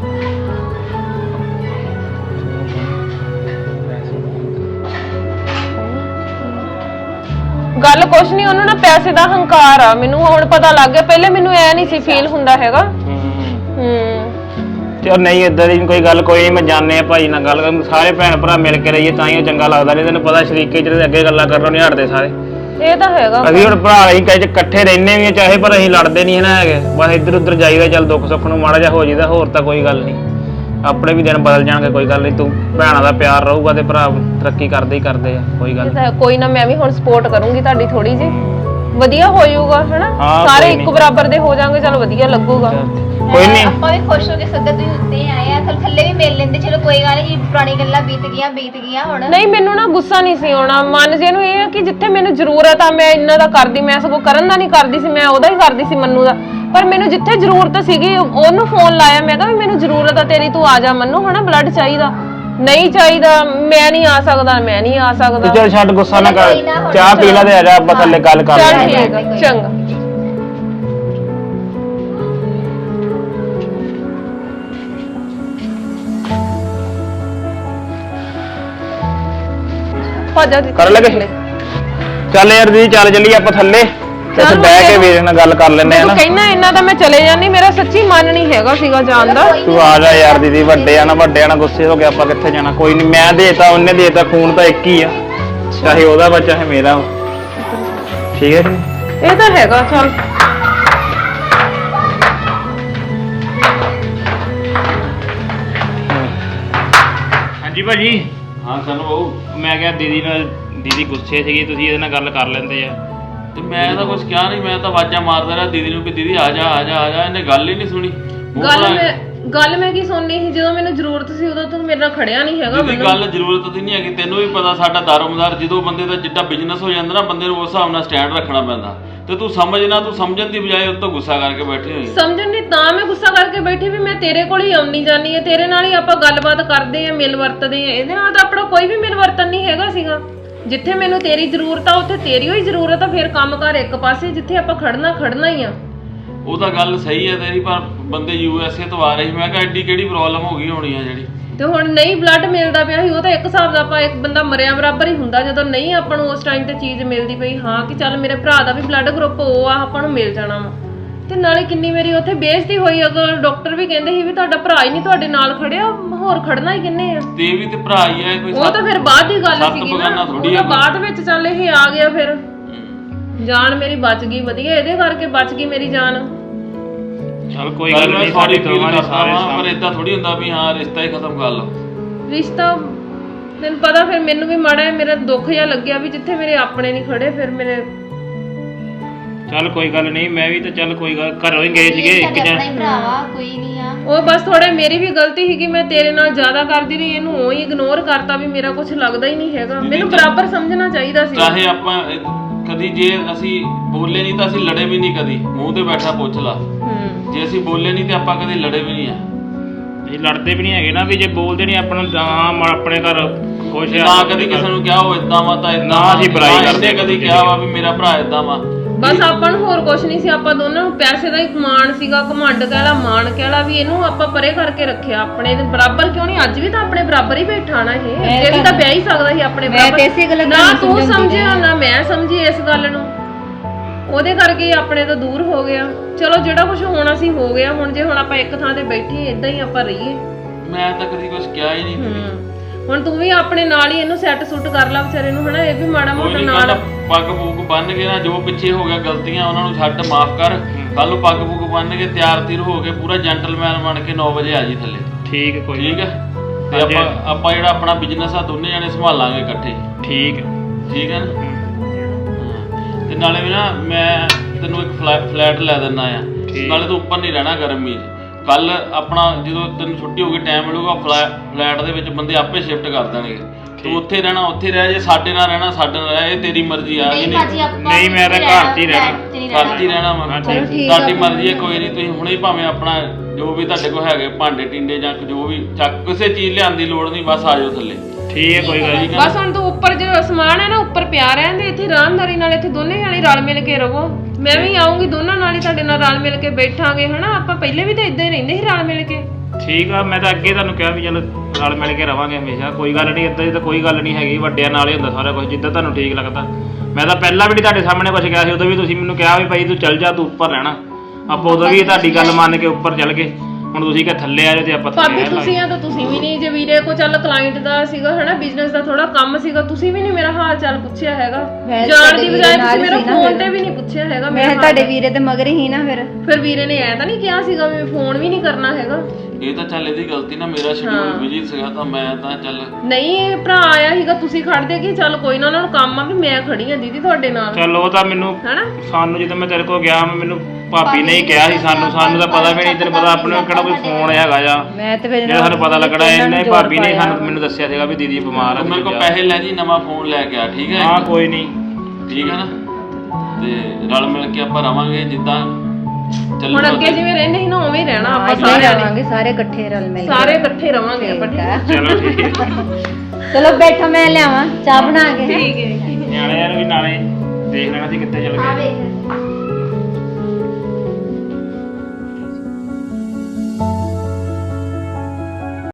E: ਗੱਲ ਕੁਛ ਨਹੀਂ, ਉਹਨੂੰ ਨਾ ਪੈਸੇ ਦਾ ਹੰਕਾਰ ਆ, ਮੈਨੂੰ ਹੁਣ ਪਤਾ ਲੱਗ ਗਿਆ, ਪਹਿਲੇ ਮੈਨੂੰ ਐ ਨਹੀਂ ਸੀ ਫੀਲ ਹੁੰਦਾ ਹੈਗਾ। ਹੂੰ
B: ਤੇ ਨਹੀਂ ਏਦਾਂ ਦੀ ਕੋਈ ਗੱਲ ਕੋਈ ਨਹੀਂ, ਮੈਂ ਜਾਣਦੇ ਆ ਭਾਈ ਨਾਲ ਗੱਲ ਕਰ, ਸਾਰੇ ਭੈਣ ਭਰਾ ਮਿਲ ਕੇ ਰਹੀਏ ਤਾਂ ਹੀ ਚੰਗਾ ਲੱਗਦਾ। ਨਹੀਂ ਤੈਨੂੰ ਪਤਾ ਸ਼ਰੀਕੇ ਜਿਹੜੇ ਅੱਗੇ ਗੱਲਾਂ ਕਰਨੋਂ ਨਹੀਂ ਹਟਦੇ ਸਾਰੇ।
E: ਇਹ ਤਾਂ ਹੈਗਾ,
B: ਅਸੀਂ ਹੁਣ ਭਰਾ ਅਸੀਂ ਕਹੇ ਇਕੱਠੇ ਰਹਿੰਦੇ ਵੀ ਚਾਹੇ, ਪਰ ਅਸੀਂ ਲੜਦੇ ਨਹੀਂ ਨਾ ਹੈਗੇ, ਬਸ ਇੱਧਰ ਉੱਧਰ ਜਾਈਦਾ, ਚੱਲ ਦੁੱਖ ਸੁੱਖ ਨੂੰ ਮਾੜਾ ਜਿਹਾ ਹੋ ਜਾਈਦਾ, ਹੋਰ ਤਾਂ ਕੋਈ ਗੱਲ ਨਹੀਂ। ਆਪਣੇ ਵੀ ਦਿਨ ਬਦਲ ਜਾਣਗੇ, ਕੋਈ ਗੱਲ ਨਹੀਂ, ਤੂੰ ਭੈਣਾਂ ਦਾ ਪਿਆਰ ਰਹੂਗਾ ਤੇ ਭਰਾ ਤਰੱਕੀ ਕਰਦੇ ਹੀ ਕਰਦੇ ਆ, ਕੋਈ ਗੱਲ
E: ਨਹੀਂ। ਕੋਈ ਨਾ ਮੈਂ ਵੀ ਹੁਣ ਸਪੋਰਟ ਕਰੂੰਗੀ ਤੁਹਾਡੀ ਥੋੜੀ ਜੀ, ਵਧੀਆ ਹੋ ਜਾਊਗਾ ਹਨਾ, ਸਾਰੇ ਇੱਕ ਬਰਾਬਰ ਦੇ ਹੋ ਜਾਣਗੇ, ਚਲ ਵਧੀਆ ਲੱਗੂਗਾ।
B: ਕੋਈ ਨਹੀਂ,
G: ਆਪਾਂ ਵੀ ਖੁਸ਼ ਹੋ ਕੇ ਸੱਦਾ ਤੁਸੀਂ ਉੱਤੇ ਆਏ ਆ, ਥੱਲੇ ਥੱਲੇ ਵੀ ਮਿਲ ਲੈਂਦੇ, ਚਲੋ ਕੋਈ ਗੱਲ ਨਹੀਂ, ਪੁਰਾਣੀ ਗੱਲਾਂ ਬੀਤ ਗਈਆਂ ਬੀਤ ਗਈਆਂ ਹੁਣ।
E: ਨਹੀਂ ਮੈਨੂੰ ਨਾ ਗੁੱਸਾ ਨਹੀਂ ਸੀ ਆਉਣਾ, ਮਨ ਜੇ ਨੂੰ ਇਹ ਆ ਕਿ ਜਿੱਥੇ ਮੈਨੂੰ ਜ਼ਰੂਰਤ ਆ ਮੈਂ ਇਹਨਾਂ ਦਾ ਕਰਦੀ, ਮੈਂ ਸਗੋਂ ਕਰਨ ਦਾ ਨਹੀਂ ਕਰਦੀ ਸੀ, ਮੈਂ ਉਹਦਾ ਹੀ ਕਰਦੀ ਸੀ ਮੰਨੂ ਦਾ। ਪਰ ਮੈਨੂੰ ਜਿੱਥੇ ਜ਼ਰੂਰਤ ਸੀਗੀ ਉਹਨੂੰ ਫੋਨ ਲਾਇਆ, ਮੈਂ ਕਿਹਾ ਵੀ ਮੈਨੂੰ ਜ਼ਰੂਰਤ ਆ ਤੇਰੀ, ਤੂੰ ਆ ਜਾ ਮੰਨੂ, ਹਨਾ ਬਲੱਡ ਚਾਹੀਦਾ। ਨਹੀਂ ਚਾਹੀਦਾ, ਮੈਂ ਨਹੀਂ ਆ ਸਕਦਾ, ਮੈਂ ਨਹੀਂ ਆ ਸਕਦਾ।
B: ਚੱਲ ਛੱਡ ਗੁੱਸਾ ਨਾ ਕਰ, ਚਾਹ ਪੀ ਲੈ ਤੇ ਆ ਜਾ, ਆਪਾਂ ਥੱਲੇ ਗੱਲ ਕਰ
E: ਚੱਲ
B: ਲੈਂਦੇ
E: ਠੀਕ ਆ, ਚੰਗਾ। ਭਾਜਾ ਦੀ
B: ਕਰ ਲਗੇ। ਚੱਲ ਯਾਰ ਦੀਦੀ ਚੱਲ ਚੱਲੀ ਆਪਾਂ ਥੱਲੇ, ਤੇ ਉੱਥੇ ਬਹਿ ਕੇ ਵੀਰੇ ਨਾਲ ਗੱਲ ਕਰ ਲੈਂਦੇ ਆ ਨਾ।
E: ਤੂੰ ਕਹਿਣਾ ਇਹਨਾਂ ਦਾ ਮੈਂ ਚਲੇ ਜਾਣੀ, ਮੇਰਾ ਸੱਚੀ ਮਨ ਨਹੀਂ ਹੈਗਾ ਸੀਗਾ ਜਾਣ ਦਾ।
B: ਤੂੰ ਆ ਜਾ ਯਾਰ ਦੀਦੀ, ਵੱਡੇ ਆ ਨਾ ਵੱਡੇ ਆ ਨਾ ਗੁੱਸੇ ਹੋ ਕੇ ਆਪਾਂ ਕਿੱਥੇ ਜਾਣਾ। ਕੋਈ ਨਹੀਂ, ਮੈਂ ਦੇਤਾ ਉਹਨੇ ਦੇਤਾ, ਖੂਨ ਤਾਂ ਇੱਕ ਹੀ ਆ, ਚਾਹੇ ਉਹਦਾ ਵਾ ਚਾਹੇ ਮੇਰਾ ਵਾ। ਠੀਕ ਹੈ ਜੀ,
E: ਇਹ ਤਾਂ ਹੈਗਾ। ਚੱਲ
B: ਹਾਂਜੀ ਭਾਜੀ।
C: ਹਾਂ ਸਾਨੂੰ ਬਾਊ,
B: ਮੈਂ ਕਿਹਾ ਦੀਦੀ ਨਾਲ, ਦੀਦੀ ਗੁੱਸੇ ਸੀਗੀ, ਤੁਸੀਂ ਇਹਦੇ ਨਾਲ ਗੱਲ ਕਰ ਲੈਂਦੇ ਆ।
C: ਤੇ ਮੈਂ ਤਾਂ ਕੁਝ ਕਿਹਾ ਨਹੀਂ, ਮੈਂ ਤਾਂ ਆਵਾਜ਼ਾਂ ਮਾਰਦਾ ਰਿਹਾ ਦੀਦੀ ਨੂੰ ਕਿ ਦੀਦੀ ਆ ਜਾ ਆ ਜਾ ਆ ਜਾ, ਇਹਨੇ ਗੱਲ ਹੀ ਨਹੀਂ ਸੁਣੀ।
E: ਗੱਲ ਮੈਂ ਗੱਲ ਮੈਂ ਕੀ ਸੁਣਨੀ ਸੀ, ਜਦੋਂ ਮੈਨੂੰ ਜ਼ਰੂਰਤ ਸੀ ਉਦੋਂ ਤੂੰ ਮੇਰੇ ਨਾਲ ਖੜਿਆ ਨਹੀਂ ਹੈਗਾ।
C: ਦੀਦੀ ਗੱਲ ਜ਼ਰੂਰਤ ਦੀ ਨਹੀਂ ਹੈਗੀ, ਤੈਨੂੰ ਵੀ ਪਤਾ ਸਾਡਾ ਦਾਰੋਮਦਾਰ, ਜਦੋਂ ਬੰਦੇ ਦਾ ਜਿੱਡਾ ਬਿਜ਼ਨਸ ਹੋ ਜਾਂਦਾ ਨਾ, ਬੰਦੇ ਨੂੰ ਉਸ ਹਿਸਾਬ ਨਾਲ ਸਟੈਂਡ ਰੱਖਣਾ ਪੈਂਦਾ। ਤੇ ਤੂੰ ਸਮਝ ਨਾ, ਤੂੰ ਸਮਝਣ ਦੀ ਬਜਾਏ ਉਹ ਤੋਂ ਗੁੱਸਾ ਕਰਕੇ ਬੈਠੀ ਹੋਈ।
E: ਸਮਝਣ ਨਹੀਂ ਤਾਂ ਮੈਂ ਗੁੱਸਾ ਕਰਕੇ ਬੈਠੀ ਵੀ ਮੈਂ ਤੇਰੇ ਕੋਲ ਹੀ ਆਉਣੀ ਜਾਨੀ ਹੈ, ਤੇਰੇ ਨਾਲ ਹੀ ਆਪਾਂ ਗੱਲਬਾਤ ਕਰਦੇ ਆ, ਮਿਲ ਵਰਤਦੇ ਆ, ਇਹਦੇ ਨਾਲ ਤਾਂ ਆਪਣਾ ਕੋਈ ਵੀ ਮਿਲ ਵਰਤਨ ਨਹੀਂ ਹੈਗਾ ਸੀਗਾ। ਜਿੱਥੇ ਮੈਨੂੰ ਤੇਰੀ ਜ਼ਰੂਰਤ ਆ ਉੱਥੇ ਤੇਰੀ ਹੀ ਜ਼ਰੂਰਤ ਆ, ਫਿਰ ਕੰਮ ਕਰ ਇੱਕ ਪਾਸੇ, ਜਿੱਥੇ ਆਪਾਂ ਖੜਨਾ ਖੜਨਾ ਹੀ ਆ।
C: ਉਹ ਤਾਂ ਗੱਲ ਸਹੀ ਹੈ ਤੇਰੀ, ਪਰ ਬੰਦੇ ਯੂ ਐਸ ਏ ਤੋਂ ਆ ਰਹੇ ਸੀ, ਮੈਂ ਕਿਹਾ ਐਡੀ ਕਿਹੜੀ ਪ੍ਰੋਬਲਮ ਹੋ ਗਈ ਹੋਣੀ ਆ ਜਿਹੜੀ।
E: ਤੇ ਹੁਣ ਨਹੀਂ ਬਲੱਡ ਮਿਲਦਾ ਪਿਆ ਸੀ, ਉਹ ਤਾਂ ਇੱਕ ਹਿਸਾਬ ਦਾ ਆਪਾਂ ਇੱਕ ਬੰਦਾ ਮਰਿਆ ਬਰਾਬਰ ਹੀ ਹੁੰਦਾ, ਜਦੋਂ ਨਹੀਂ ਆਪਾਂ ਨੂੰ ਉਸ ਟਾਈਮ ਤੇ ਚੀਜ਼ ਮਿਲਦੀ ਪਈ, ਹਾਂ ਕਿ ਚੱਲ ਮੇਰੇ ਭਰਾ ਦਾ ਵੀ ਬਲੱਡ ਗਰੁੱਪ ਉਹ ਆ, ਆਪਾਂ ਨੂੰ ਮਿਲ ਜਾਣਾ ਵਾ। ਤੇ ਨਾਲੇ ਕਿੰਨੀ ਮੇਰੀ ਉੱਥੇ ਬੇਇੱਜ਼ਤੀ ਹੋਈ, ਅਗਰ ਡਾਕਟਰ ਵੀ ਕਹਿੰਦੇ ਸੀ ਵੀ ਤੁਹਾਡਾ ਭਰਾ ਹੀ ਨਹੀਂ ਤੁਹਾਡੇ ਨਾਲ ਖੜਿਆ, ਹੋਰ ਖੜਨਾ ਹੀ ਕਿੰਨੇ ਆ।
C: ਤੇ ਵੀ ਤੇ ਭਰਾ ਹੀ ਆ ਕੋਈ,
E: ਉਹ ਤਾਂ ਫਿਰ ਬਾਅਦ ਦੀ ਗੱਲ
C: ਸੱਤ
E: ਸੀਗੀ
C: ਬਗਾਨਾ
E: ਨਾ,
C: ਥੋੜੀ
E: ਉਹ
C: ਆ
E: ਤਾਂ ਬਾਅਦ ਵਿੱਚ ਚੱਲ ਇਹ ਆ ਗਿਆ, ਫਿਰ ਜਾਨ ਮੇਰੀ ਬਚ ਗਈ, ਵਧੀਆ ਇਹਦੇ ਕਰਕੇ ਬਚ ਗਈ ਮੇਰੀ ਜਾਨ।
B: ਚੱਲ ਕੋਈ ਗੱਲ ਨਹੀਂ, ਸਾਡੀ ਦੋਵਾਂ ਦੀ ਸਾਰੇ
C: ਪਰ ਇਦਾਂ ਥੋੜੀ ਹੁੰਦਾ ਵੀ ਹਾਂ ਰਿਸ਼ਤਾ ਹੀ ਖਤਮ ਕਰ ਲਓ।
E: ਰਿਸ਼ਤਾ ਤੈਨੂੰ ਪਤਾ, ਫਿਰ ਮੈਨੂੰ ਵੀ ਮਾੜਾ ਮੇਰਾ ਦੁੱਖ ਜਿਹਾ ਲੱਗਿਆ ਵੀ ਜਿੱਥੇ ਮੇਰੇ ਆਪਣੇ ਨਹੀਂ ਖੜੇ, ਫਿਰ ਮੇਰੇ।
B: ਚੱਲ ਕੋਈ ਗੱਲ ਨਹੀਂ, ਮੈਂ ਵੀ ਤਾਂ ਚੱਲ ਕੋਈ ਗੱਲ, ਘਰੋਂ ਹੀ ਗਏ ਸੀਗੇ ਇੱਕ ਜਣ।
G: ਭਰਾਵਾ ਕੋਈ ਨਹੀਂ ਆ,
E: ਉਹ ਬਸ ਥੋੜੇ ਮੇਰੀ ਵੀ ਗਲਤੀ ਸੀਗੀ, ਮੈਂ ਤੇਰੇ ਨਾਲ ਜ਼ਿਆਦਾ ਕਰਦੀ ਰਹੀ, ਇਹਨੂੰ ਉਹ ਹੀ ਇਗਨੋਰ ਕਰਤਾ ਵੀ ਮੇਰਾ ਕੁਝ ਲੱਗਦਾ ਹੀ ਨਹੀਂ ਹੈਗਾ, ਮੈਨੂੰ ਬਰਾਬਰ ਸਮਝਣਾ ਚਾਹੀਦਾ ਸੀ।
C: ਚਾਹੇ ਆਪਾਂ ਕਦੀ ਜੇ ਅਸੀਂ ਬੋਲੇ ਨਹੀਂ ਤਾਂ ਅਸੀਂ ਲੜੇ ਵੀ ਨਹੀਂ, ਕਦੀ ਮੂੰਹ ਤੇ ਬੈਠਾ ਪੁੱਛ ਲਾ। ਜੇ ਅਸੀਂ ਬੋਲੇ ਨਹੀਂ ਤੇ ਆਪਾਂ ਕਦੇ ਲੜੇ ਵੀ ਨਹੀਂ ਆ।
B: ਅਸੀਂ ਲੜਦੇ ਵੀ ਨਹੀਂ ਹੈਗੇ ਨਾ, ਵੀ ਜੇ ਬੋਲਦੇ ਨਹੀਂ ਆਪਾਂ ਨੂੰ ਹਾਂ ਆਪਣੇ ਘਰ ਖੁਸ਼ ਆ।
C: ਨਾ ਕਦੀ ਕਿਸੇ ਨੂੰ ਕਿਹਾ ਉਹ ਇਦਾਂ ਵਾ ਤਾਂ ਇਦਾਂ,
B: ਅਸੀਂ ਬੁਰਾਈ ਕਰਦੇ,
C: ਕਦੀ ਕਿਹਾ ਵਾ ਵੀ ਮੇਰਾ ਭਰਾ ਇਦਾਂ ਵਾ।
E: ਬਸ ਆਪਾਂ ਨੂੰ ਹੋਰ ਕੁਝ ਨਹੀਂ ਸੀ, ਆਪਾਂ ਦੋਨਾਂ ਨੂੰ ਪੈਸੇ ਦਾ ਹੀ ਮਾਣ ਸੀਗਾ, ਘਮੰਡ ਕਹਿ ਲਾ, ਮਾਣ ਕਹਿ ਲਾ, ਵੀ ਇਹਨੂੰ ਆਪਾਂ ਪਰੇ ਕਰਕੇ ਰੱਖਿਆ, ਆਪਣੇ ਦੇ ਬਰਾਬਰ ਕਿਉਂ ਨਹੀਂ, ਅੱਜ ਵੀ ਤਾਂ ਆਪਣੇ ਬਰਾਬਰ ਹੀ ਬੈਠਾ ਨਾ, ਇਹ ਇਹ ਵੀ ਤਾਂ ਵਿਆਹ ਹੀ ਸਕਦਾ ਸੀ ਆਪਣੇ ਬਰਾਬਰ। ਨਾ ਤੂੰ ਸਮਝਿਆ ਨਾ ਮੈਂ ਸਮਝੀ ਇਸ ਗੱਲ ਨੂੰ। ਉਹਦੇ ਕਰਕੇ ਆਪਣੇ ਤੋਂ ਦੂਰ ਹੋ ਗਿਆ। ਚਲੋ ਜਿਹੜਾ ਕੁਝ ਹੋਣਾ ਸੀ ਹੋ ਗਿਆ। ਹੁਣ ਜੇ ਹੁਣ ਆਪਾਂ ਇੱਕ ਥਾਂ ਤੇ ਬੈਠੇ ਇਦਾਂ ਹੀ ਆਪਾਂ ਰਹੀਏ।
C: ਮੈਂ ਤਾਂ ਕਦੀ ਕੁਝ ਕਿਹਾ ਹੀ ਨਹੀਂ
E: ਹੂੰ ਹੁਣ ਤੂੰ ਵੀ ਆਪਣੇ ਨਾਲ ਹੀ ਇਹਨੂੰ ਸੈੱਟ ਸੁੱਟ ਕਰ ਲੈ ਵਿਚਾਰੇ ਨੂੰ ਹਨਾ। ਇਹ ਵੀ ਮਾੜਾ ਮੋਟਾ ਨਾਲ
C: ਪੱਗ ਪੁੱਗ ਬੰਨ ਕੇ ਨਾ ਜੋ ਪਿੱਛੇ ਹੋ ਗਿਆ ਗਲਤੀਆਂ ਉਹਨਾਂ ਨੂੰ ਛੱਡ ਮਾਫ ਕਰ। ਕੱਲ ਨੂੰ ਪੱਗ ਪੁੱਗ ਬੰਨ ਕੇ ਤਿਆਰ ਤਿਰ ਹੋ ਕੇ ਪੂਰਾ ਜੈਂਟਲਮੈਨ ਬਣ ਕੇ ਨੌ ਵਜੇ ਆ ਜੀ ਥੱਲੇ।
B: ਠੀਕ ਹੈ, ਕੋਈ
C: ਠੀਕ ਹੈ। ਤੇ ਆਪਾਂ ਆਪਾਂ ਜਿਹੜਾ ਆਪਣਾ ਬਿਜ਼ਨਸ ਆ ਦੋਨੇ ਜਣੇ ਸੰਭਾਲਾਂਗੇ ਇਕੱਠੇ।
B: ਠੀਕ ਹੈ,
C: ਠੀਕ ਹੈ ਨਾ। ਤੇ ਨਾਲੇ ਵੀ ਨਾ ਮੈਂ ਤੈਨੂੰ ਇੱਕ ਫਲੈਟ ਲੈ ਦਿੰਦਾ ਆ। ਨਾਲੇ ਤੂੰ ਉੱਪਰ ਨਹੀਂ ਰਹਿਣਾ ਗਰਮੀ 'ਚ। ਕੱਲ ਆਪਣਾ ਜਦੋਂ ਤੈਨੂੰ ਛੁੱਟੀ ਹੋ ਗਈ ਟਾਈਮ ਮਿਲੂਗਾ ਫਲੈਟ ਦੇ ਵਿੱਚ ਬੰਦੇ ਆਪੇ ਸ਼ਿਫਟ ਕਰ ਦੇਣਗੇ। ਤੂੰ ਉੱਥੇ ਰਹਿਣਾ ਉੱਥੇ ਰਹਿ, ਜੇ ਸਾਡੇ ਨਾਲ ਰਹਿਣਾ ਸਾਡੇ ਨਾਲ ਰਹਿ, ਇਹ ਤੇਰੀ ਮਰਜ਼ੀ ਆ।
G: ਨਹੀਂ ਭਾਜੀ ਆਪਾਂ
B: ਨਹੀਂ ਮੈਂ ਤਾਂ ਘਰ 'ਚ ਹੀ ਰਹਿਣਾ,
C: ਘਰ 'ਚ ਹੀ ਰਹਿਣਾ ਵਾ। ਤੁਹਾਡੀ ਮਰਜ਼ੀ ਹੈ, ਕੋਈ ਨਹੀਂ। ਤੁਸੀਂ ਹੁਣੇ ਹੀ ਭਾਵੇਂ ਆਪਣਾ ਜੋ ਵੀ ਤੁਹਾਡੇ ਕੋਲ ਹੈਗੇ ਭਾਂਡੇ ਟਿੰਡੇ ਜਾਂ ਜੋ ਵੀ ਚੱਕ ਕਿਸੇ ਚੀਜ਼ ਲਿਆਉਣ ਦੀ ਲੋੜ ਨਹੀਂ, ਬਸ ਆ ਜਾਓ ਥੱਲੇ।
B: ਠੀਕ ਹੈ, ਕੋਈ ਗੱਲ ਨਹੀਂ।
E: ਬਸ ਹੁਣ ਤੂੰ ਉੱਪਰ ਜੋ ਸਮਾਨ ਹੈ ਨਾ ਉੱਪਰ ਪਿਆ ਰਹਿੰਦੇ, ਇੱਥੇ ਆਰਾਮਦਾਰੀ ਨਾਲ ਇੱਥੇ ਦੋਨੇ ਜਾਣੇ ਰਲ ਮਿਲ ਕੇ ਰਹੋ। ਮੈਂ ਵੀ ਆਉਂਗੀ, ਦੋਨਾਂ ਨਾਲ ਹੀ ਤੁਹਾਡੇ ਨਾਲ ਰਲ ਮਿਲ ਕੇ ਬੈਠਾਂਗੇ ਹਨਾ। ਆਪਾਂ ਪਹਿਲੇ ਵੀ ਤਾਂ ਇਦਾਂ ਹੀ ਰਹਿੰਦੇ ਸੀ ਰਲ ਮਿਲ ਕੇ।
B: ਠੀਕ ਆ, ਮੈਂ ਤਾਂ ਅੱਗੇ ਤੁਹਾਨੂੰ ਕਿਹਾ ਵੀ ਚਲੋ ਰਲ ਮਿਲ ਕੇ ਰਵਾਂਗੇ ਹਮੇਸ਼ਾ। ਕੋਈ ਗੱਲ ਨਹੀਂ, ਇੱਦਾਂ ਦੀ ਤਾਂ ਕੋਈ ਗੱਲ ਨਹੀਂ ਹੈਗੀ। ਵੱਡਿਆਂ ਨਾਲ ਹੀ ਹੁੰਦਾ ਸਾਰਾ ਕੁਝ, ਜਿੱਦਾਂ ਤੁਹਾਨੂੰ ਠੀਕ ਲੱਗਦਾ। ਮੈਂ ਤਾਂ ਪਹਿਲਾਂ ਵੀ ਤੁਹਾਡੇ ਸਾਹਮਣੇ ਕੁਝ ਕਿਹਾ ਸੀ, ਉਦੋਂ ਵੀ ਤੁਸੀਂ ਮੈਨੂੰ ਕਿਹਾ ਵੀ ਭਾਈ ਤੂੰ ਚੱਲ ਜਾ, ਤੂੰ ਉੱਪਰ ਰਹਿਣਾ। ਆਪਾਂ ਉਦੋਂ ਵੀ ਤੁਹਾਡੀ ਗੱਲ ਮੰਨ ਕੇ ਉੱਪਰ ਚੱਲ ਗਏ। ਹੁਣ ਤੁਸੀਂ ਕਿ ਥੱਲੇ ਆ ਜਾਓ ਤੇ ਆਪਾਂ
E: ਭਾਬੀ ਤੁਸੀਂ ਆ ਤਾਂ ਤੁਸੀਂ ਵੀ ਨਹੀਂ। ਜੇ ਵੀਰੇ ਕੋ ਚੱਲ ਕਲਾਇੰਟ ਦਾ ਸੀਗਾ ਹਨਾ, ਬਿਜ਼ਨਸ ਦਾ ਥੋੜਾ ਕੰਮ ਸੀਗਾ, ਤੁਸੀਂ ਵੀ ਨਹੀਂ ਮੇਰਾ ਹਾਲ ਚਾਲ ਪੁੱਛਿਆ ਹੈਗਾ। ਜਾਣ ਦੀ ਬਜਾਏ ਤੁਸੀਂ ਮੇਰਾ ਫੋਨ ਤੇ ਵੀ ਨਹੀਂ ਪੁੱਛਿਆ ਹੈਗਾ।
A: ਮੈਂ ਤੁਹਾਡੇ ਵੀਰੇ ਤੇ ਮਗਰ ਹੀ ਨਾ ਫਿਰ
E: ਫਿਰ ਵੀਰੇ ਨੇ ਐ ਤਾਂ ਨਹੀਂ ਕਿਹਾ ਸੀਗਾ ਵੀ ਫੋਨ ਵੀ ਨਹੀਂ ਕਰਨਾ ਹੈਗਾ।
C: ਇਹ ਤਾਂ ਚੱਲ ਇਹਦੀ ਗਲਤੀ ਨਾ, ਮੇਰਾ ਸ਼ਡਿਊਲ ਬਿਜੀ ਸੀਗਾ ਤਾਂ ਮੈਂ ਤਾਂ ਚੱਲ
E: ਨਹੀਂ। ਇਹ ਭਰਾ ਆਇਆ ਸੀਗਾ, ਤੁਸੀਂ ਖੜਦੇ ਕਿ ਚੱਲ ਕੋਈ ਨਾ ਉਹਨਾਂ ਨੂੰ ਕੰਮ ਆ ਵੀ ਮੈਂ ਖੜੀ ਆ ਦੀਦੀ ਤੁਹਾਡੇ ਨਾਲ।
B: ਚਲੋ ਉਹ ਤਾਂ ਮੈਨੂੰ
E: ਹਨਾ
B: ਸਾਨੂੰ ਜਦੋਂ ਮੈਂ ਤੇਰੇ ਕੋਲ ਗਿਆ ਮੈਨੂੰ ਭਾਬੀ ਨੇ ਹੀ ਕਿਹਾ ਸੀ। ਸਾਨੂੰ ਸਾਨੂੰ ਤਾਂ ਪਤਾ ਵੀ ਨਹੀਂ, ਤੈਨੂੰ ਪਤਾ ਆਪਣੇ ਕਿਹੜਾ ਕੋਈ ਫੋਨ ਹੈਗਾ ਜਾਂ
A: ਮੈਂ ਤੇ ਫਿਰ
B: ਜਿਹੜਾ ਸਾਨੂੰ ਪਤਾ ਲੱਗਣਾ। ਇਹਨੇ ਭਾਬੀ ਨੇ ਸਾਨੂੰ ਮੈਨੂੰ ਦੱਸਿਆ ਸੀਗਾ ਵੀ ਦੀਦੀ ਬਿਮਾਰ ਆ।
C: ਮੇਰੇ ਕੋਲ ਪੈਸੇ ਲੈ ਜੀ, ਨਵਾਂ ਫੋਨ ਲੈ ਕੇ ਆ। ਠੀਕ ਹੈ,
B: ਹਾਂ ਕੋਈ ਨਹੀਂ।
C: ਠੀਕ ਹੈ ਨਾ। ਤੇ ਰਲ ਮਿਲ ਕੇ ਆਪਾਂ ਰਵਾਂਗੇ ਜਿੱਦਾਂ ਚੱਲ।
E: ਹੁਣ ਅੱਗੇ ਜਿਵੇਂ ਰਹਿੰਦੇ ਸੀ ਨਾ ਉਵੇਂ ਹੀ ਰਹਿਣਾ ਆਪਾਂ ਸਾਰੇ
A: ਰਹਾਂਗੇ, ਸਾਰੇ ਇਕੱਠੇ ਰਲ ਮਿਲ ਕੇ।
E: ਸਾਰੇ ਇਕੱਠੇ ਰਵਾਂਗੇ ਆਪਾਂ।
B: ਚਲੋ ਠੀਕ ਹੈ।
A: ਚਲੋ ਬੈਠੋ, ਮੈਂ ਲਿਆਵਾਂ ਚਾਹ ਬਣਾ ਕੇ।
E: ਠੀਕ ਹੈ।
B: ਨਿਆਣਿਆਂ ਨੂੰ ਵੀ ਨਾਲੇ ਦੇਖ ਲੈਣਾ ਸੀ ਕਿੱਥੇ ਚਲ
G: ਆ
B: ਗਏ।
G: ਵੇਖ